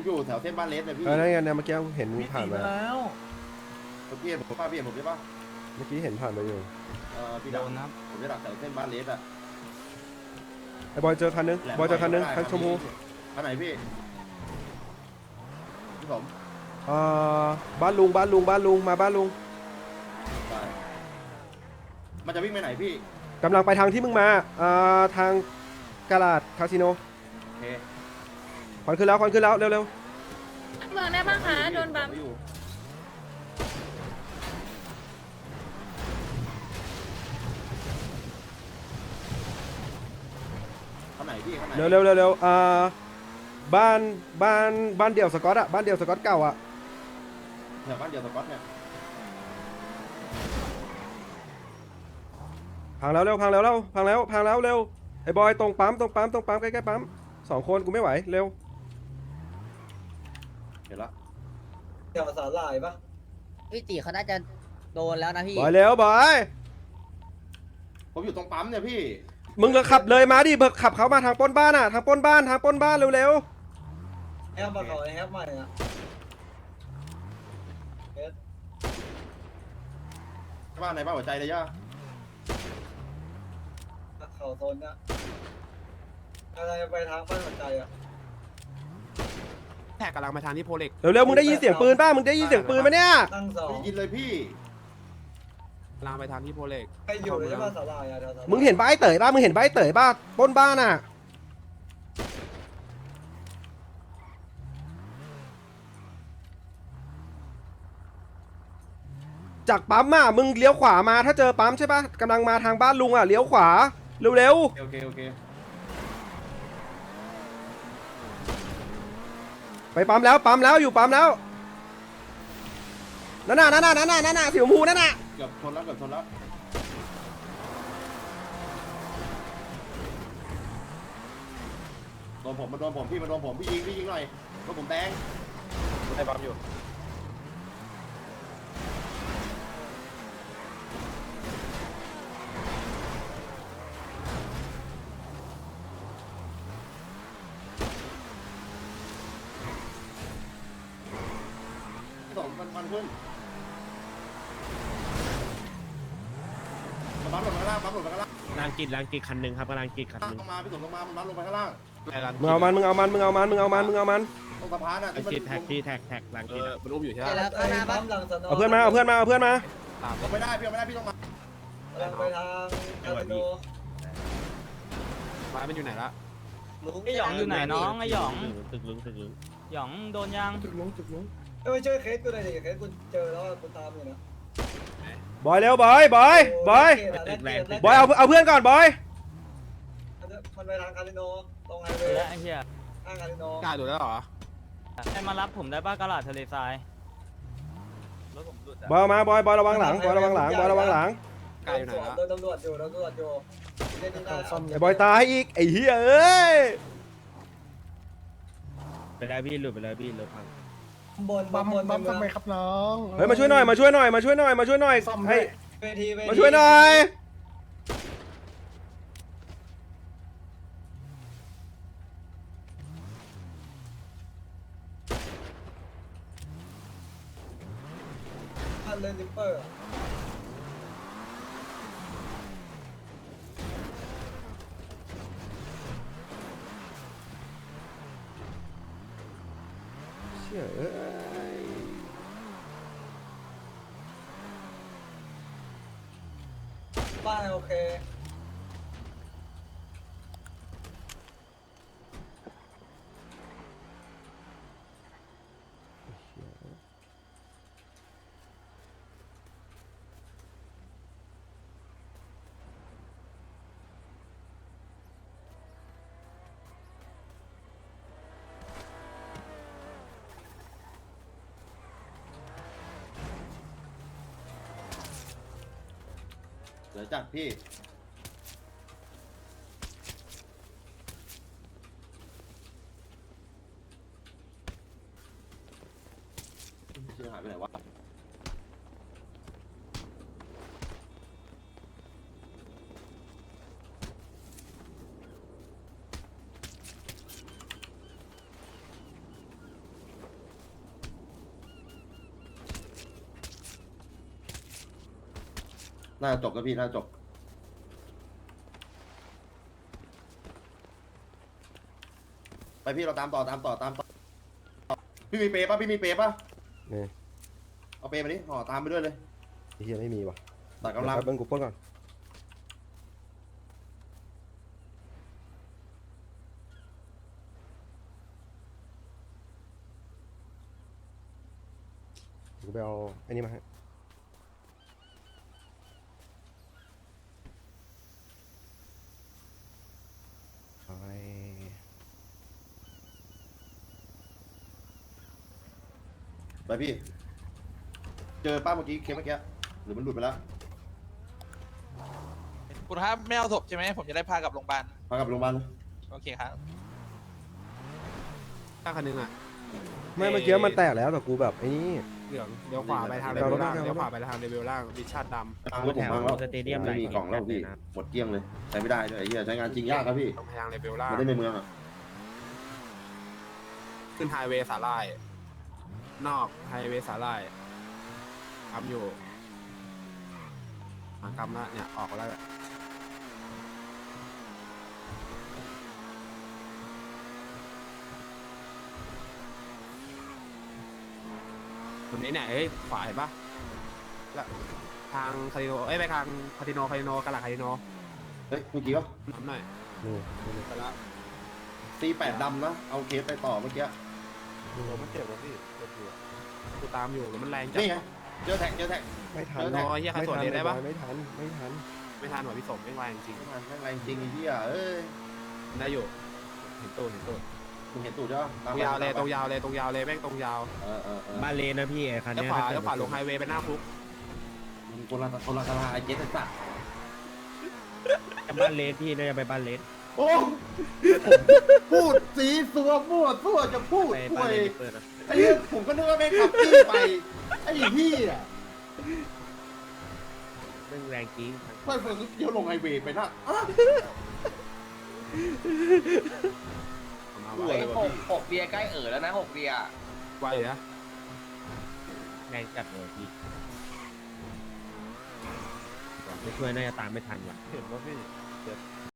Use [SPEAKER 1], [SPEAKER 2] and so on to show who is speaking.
[SPEAKER 1] อยู่แถวเส้นบ้านเลสเลยพี่
[SPEAKER 2] นั่นไงเนี่ยเมื่อกี้เห็นผ่านมา
[SPEAKER 3] แล้ว
[SPEAKER 1] พี่เห็นผมป่ะพี่เห็นผมใช่ป่ะ
[SPEAKER 2] เมื่อกี้เห็นผ่านมาอยู่
[SPEAKER 1] พี่ดำนะผมจะดักแถวเส้นบ้านเลสอะ
[SPEAKER 2] ไอ้บอยเจอคันนึงบอยเจอคันนึงคันชมพู
[SPEAKER 1] คันไหนพี่พี่ผม
[SPEAKER 2] บ้านลุงมาบ้านลุง
[SPEAKER 1] ได้มันจะวิ่งไปไหนพี่
[SPEAKER 2] กำลังไปทางที่มึงมาทางกาลาดคาสิโน
[SPEAKER 1] โอเค
[SPEAKER 2] ควันขึ้นแล้วเร็ว
[SPEAKER 4] เมืองได้บ้างคะโดนบัม
[SPEAKER 1] อยู่คันไหนพี่คันไหน
[SPEAKER 2] เร็วบ้านเดี่ยวสกอตอะบ้านเดี่ยวสกอตเก่าอะ
[SPEAKER 1] แถวบ้านเดียวสก๊อตเนี่ย
[SPEAKER 2] พังแล้วเร็วเร็วไอ้บอยตรงปั๊มใกล้ๆปั๊ม2 คนกูไม่ไหวเร็ว
[SPEAKER 1] เห็นละ
[SPEAKER 3] เดี๋ยวสาหร่ายปะ
[SPEAKER 5] พี่ตีเขาน่าจะโดนแล้วนะพี่
[SPEAKER 2] บอยเร็วบอย
[SPEAKER 1] ผมอยู่ตรงปั๊มเนี่ยพี่
[SPEAKER 2] มึงก็ขับเลยมาดิเบิกขับเขามาทางปล้นบ้านอะทางปล้นบ้านเร็ว
[SPEAKER 3] แอปมาเขาแอปใหม่อะ
[SPEAKER 1] บ้านไหนบ้านหัวใจเลยย่า
[SPEAKER 3] เขาโซนนะอะไรไปทางบ้านหัวใจอะ
[SPEAKER 6] แท็กกำลังมาทางที่โพเล็ก
[SPEAKER 2] เร็วมึงได้ยินเสียงปืนป่ะมึงได้ยินเสียงปืนไหมเนี่ย
[SPEAKER 3] ตั้งสอง
[SPEAKER 1] ได้ยินเลยพี่
[SPEAKER 6] กำลังไปทางที่โพเล็ก
[SPEAKER 3] ใครอยู่เลยใช่ป่ะสาหร่ายอะแถวสาหร่าย
[SPEAKER 2] มึงเห็นใบเต๋ยป่ะปล้นบ้านอะจากปั๊มอะมึงเลี้ยวขวามาถ้าเจอปั๊มใช่ป่ะกำลังมาทางบ้านลุงอะเลี้ยวขวาเร็ว
[SPEAKER 1] โอเค
[SPEAKER 2] ไปปั๊มแล้วอยู่ปั๊มแล้วนั่นน่ะสีชมพูนั่นน่ะ
[SPEAKER 1] เกือบชนแล้วโดนผมพี่ยิงหน่อยรถผมแดง
[SPEAKER 6] ได้ปั๊มอยู่
[SPEAKER 1] มันขึ้นมันบั๊มลงไปข้างล่าง
[SPEAKER 6] ลางกิจคันหนึ่งครับกำลังกิจคันหนึ่ง
[SPEAKER 1] ลงมาพี่สมลงมามันบั๊มลงไปข้างล่าง
[SPEAKER 2] มึงเอามัน
[SPEAKER 1] ตรงสะพานอ่ะ
[SPEAKER 6] ลางกิจแท็กที่แท็กลางกิจมันอุ้มอยู่ใช่ไหม
[SPEAKER 5] แล้วข้างหน้า
[SPEAKER 3] ปั๊
[SPEAKER 5] บ้าน
[SPEAKER 3] มหลังสน
[SPEAKER 2] เอาเพื่อนมา
[SPEAKER 6] ตาม
[SPEAKER 1] ลงไม่ได้พี่ต้องมา
[SPEAKER 3] กำลังไปทางคาสิโน
[SPEAKER 6] มามันอยู่ไหนละ
[SPEAKER 7] ไอหยองอยู่ไหนน้องไอหยอง
[SPEAKER 6] ตึกลึง
[SPEAKER 7] หยองโดนยัง
[SPEAKER 3] ไม่ช่วยเคสกูหน่อยดิเคสกูเจอแล้วกูตามอยู่นะ
[SPEAKER 2] บอยเร็วบอยเอาเพื่อนก่อนบอย
[SPEAKER 3] มันไปทางคาสิโนตรงไฮเว
[SPEAKER 7] และ
[SPEAKER 3] ย์
[SPEAKER 7] ไอเหี้ย
[SPEAKER 3] ทางคาสิโน
[SPEAKER 6] กล้าดูแล้วเหรอ
[SPEAKER 7] ใครมารับผมได้ป้ากระดาษทะเลทราย
[SPEAKER 2] บอยมาบอยระวังหลัง
[SPEAKER 6] กล้าอยู่ไหนละ
[SPEAKER 3] โดนตำรวจอยู่เล่นที่หน้า
[SPEAKER 2] ไอ้บอยตายอีกไอ้เหี้ยเอ้ย
[SPEAKER 6] ไปได้พี่หลุดไปเลยพี่รถพัง
[SPEAKER 3] บนทำไมครับน้อง
[SPEAKER 2] เฮ้ยมาช่วยหน่อยให้มาช่วยหน่อย
[SPEAKER 3] เวที
[SPEAKER 2] มาช่วยหน่อย
[SPEAKER 3] พันเลนลิปเปอร์
[SPEAKER 2] เชี่ยเอ้ย
[SPEAKER 3] บ้านโอเค
[SPEAKER 1] เดี๋ยวจัดพี่เชื่อหายไปไหนวะน่าจะจบแล้วพี่น่าจะจบไปพี่เราตามต่อพี่มีเปย์ป่ะพี่มีเปย์ป่ะ
[SPEAKER 2] นี่
[SPEAKER 1] เอาเปย์มาดิห่อตามไปด้วยเลย
[SPEAKER 2] ไอ้เฮียไม่มีว่ะ
[SPEAKER 1] ตัดกำลัง
[SPEAKER 2] แป๊บนึงกูปล้นก่อนกูไปเอาไอ้นี่มาให้ไป
[SPEAKER 1] ไปพี่เจอป้าเมื่อกี้เคสเมื่อกี้หรือมันหลุดไปแล้ว
[SPEAKER 8] คุณครับไม่เอาศพใช่ไหมผมจะได้พากลับโรงพยาบาล
[SPEAKER 1] พากลับโรงพยาบาล
[SPEAKER 8] โอเคครับ
[SPEAKER 6] ตั้งคันนึงอ่ะ
[SPEAKER 2] ไม่เมื่อกี้มันแตกแล้วแต่กูแบบไอ้นี่
[SPEAKER 6] เหลืองเลี้ยวขวาไปทางเลเวลล่างเลี้ยวขวาไปทางเลเวลล่างวิชั่นดำ
[SPEAKER 1] ทางรถผมพังแล้วไม่มีกล่องแล้วพี่หมดเกลี้ยงเลยใช้ไม่ได้ด้วยไอ้เหี้ยใช้งานจริงยากครับพี่
[SPEAKER 6] ตรงทางเลเวลล่าง
[SPEAKER 1] ไม่ได้ในเมืองอ่ะ
[SPEAKER 6] ขึ้นไฮเวย์สาลายนอกไฮเวย์สาลายทำอยู่หากรรมละเนี่ยออกแล้วตรงนี้เนี่ยเฮ้ยขวาเห็นปะแล้วทางคาริโนไปทางคาริโนกะหล่ำคาริโน
[SPEAKER 1] เฮ้ยเมื่อกี้วะ
[SPEAKER 6] น้ำหน่อย
[SPEAKER 2] นี่
[SPEAKER 6] ไปละ
[SPEAKER 1] C8 ดำนะเอาเคสไปต่อเมื่อกี้
[SPEAKER 2] มันเจ็บแล้วพี่เจ็บอยู่
[SPEAKER 6] กูตามอยู่แล้วมันแรงจัด
[SPEAKER 1] นี่ไงเจอแท็ก
[SPEAKER 2] ไม่ทัน
[SPEAKER 6] โอ้ยเหี้ยใครสวนเลยได้ปะ
[SPEAKER 2] ไม่ทัน
[SPEAKER 6] ไม่ทันหน่อยพี่สมไม่แรงจริง
[SPEAKER 1] มันแม่งแรงจริงไอ้เหี้ยเอ้ย
[SPEAKER 6] ได้อยู่เห็นตู้
[SPEAKER 1] มึงเห็นตูดใช่ปะ
[SPEAKER 6] ตรงยาวเลยแม่งตรงยาว
[SPEAKER 1] บ้าน
[SPEAKER 9] เลนนะพี่ไอ้คัน
[SPEAKER 6] แล้ว
[SPEAKER 9] เนี้ย
[SPEAKER 6] ขวาลงไฮเวย์ไปหน้าคุก
[SPEAKER 1] มึงคนละตลาดไอ้เจ๊สัตว์
[SPEAKER 9] บ้านเลนพี่น่าจะไปบ้านเลน
[SPEAKER 1] โอ้พูดสีสัวมั่วซั่วจะพูด
[SPEAKER 9] ไป
[SPEAKER 1] ป่
[SPEAKER 9] บ้า
[SPEAKER 1] วน ย
[SPEAKER 9] เลนเปิดนะ
[SPEAKER 1] ไอ้เหี้ยผมก็นึกว่าแม่งขับจี้ไปไอ้พี่อ่ะ
[SPEAKER 9] เรื่องแรงจริง
[SPEAKER 1] เพื่อนเดี๋ยวลงไฮเวย์ไปนะอ้าว
[SPEAKER 6] มา
[SPEAKER 1] ป่
[SPEAKER 6] ไว
[SPEAKER 1] วยว่ะพี่
[SPEAKER 5] 6 เบียร์ใกล้แล้วนะ 6 เบียร์
[SPEAKER 6] ไวนะ
[SPEAKER 9] แรงจัดเลยพี่ไม่ช่วยน่าจะตามไม่ทันว่ะ
[SPEAKER 2] เห็นว่าพี่